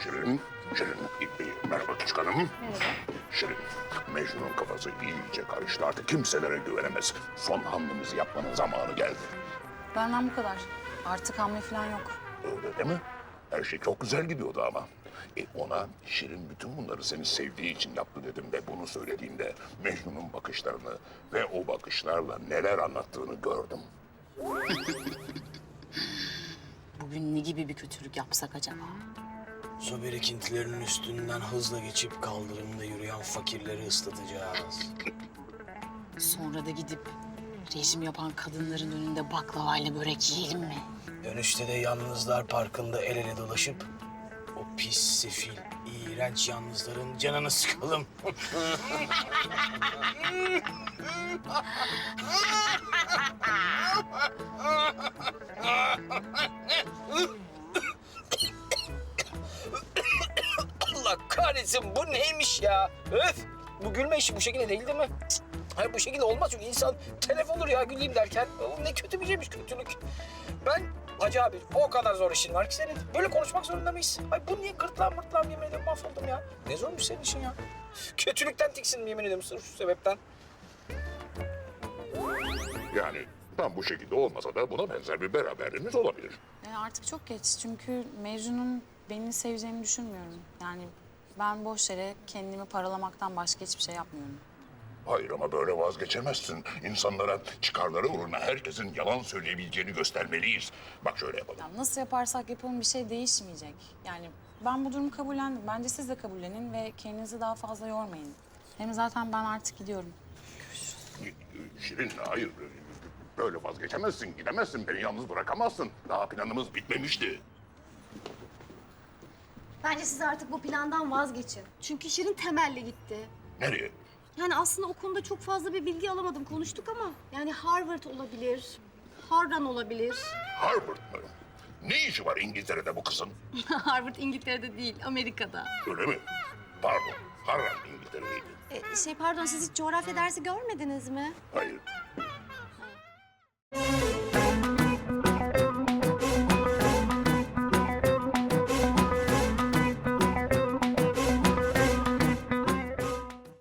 Şirin, merhaba küçük hanım. Merhaba. Şirin, Mecnun'un kafası iyice karıştı. Artık kimselere güvenemez. Son hamlemizi yapmanın zamanı geldi. Benden bu kadar. Artık hamle falan yok. Öyle değil mi? Her şey çok güzel gidiyordu ama. Ona Şirin bütün bunları seni sevdiği için yaptı dedim ve bunu söylediğimde Mecnun'un bakışlarını ve o bakışlarla neler anlattığını gördüm. Bugün ne gibi bir kötülük yapsak acaba? Su birikintilerinin üstünden hızla geçip kaldırımda yürüyen fakirleri ıslatacağız. Sonra da gidip rejim yapan kadınların önünde baklavayla börek yiyelim mi? Dönüşte de yalnızlar parkında el ele dolaşıp o pis, sefil, iğrenç yalnızların canını sıkalım. Allah kahretsin, bu neymiş ya? Öf! Bu gülme işi bu şekilde değil mi? Cık. Hayır, bu şekilde olmaz çünkü insan telef olur ya güleyim derken. Ne kötü bir şeymiş kötülük. Ben Hacı abi o kadar zor işin var ki senin. Böyle konuşmak zorunda mıyız? Ay bu niye gırtlağım yemin ederim mahvoldum ya. Ne zormuş senin işin ya. Kötülükten tiksindim yemin ederim sırf şu sebepten. Yani tam bu şekilde olmasa da buna benzer bir beraberliğimiz olabilir. Artık çok geç çünkü Mecnun'un beni seveceğini düşünmüyorum. Yani ben boş yere kendimi paralamaktan başka hiçbir şey yapmıyorum. Hayır ama böyle vazgeçemezsin. İnsanlara çıkarları uğruna herkesin yalan söyleyebileceğini göstermeliyiz. Bak şöyle yapalım. Ya nasıl yaparsak yapalım bir şey değişmeyecek. Yani ben bu durumu kabullendim. Bence siz de kabullenin ve kendinizi daha fazla yormayın. Hem zaten ben artık gidiyorum. Şirin hayır. Böyle vazgeçemezsin, gidemezsin. Beni yalnız bırakamazsın. Daha planımız bitmemişti. Bence siz artık bu plandan vazgeçin. Çünkü Şirin Temel'le gitti. Nereye? Yani aslında o konuda çok fazla bir bilgi alamadım, konuştuk ama... Yani Harvard olabilir, Harran olabilir. Harvard mı? Ne işi var İngiltere'de bu kızın? Harvard İngiltere'de değil, Amerika'da. Öyle mi? Pardon, Harran İngiltere'deydi. Pardon, siz hiç coğrafya dersi görmediniz mi? Hayır.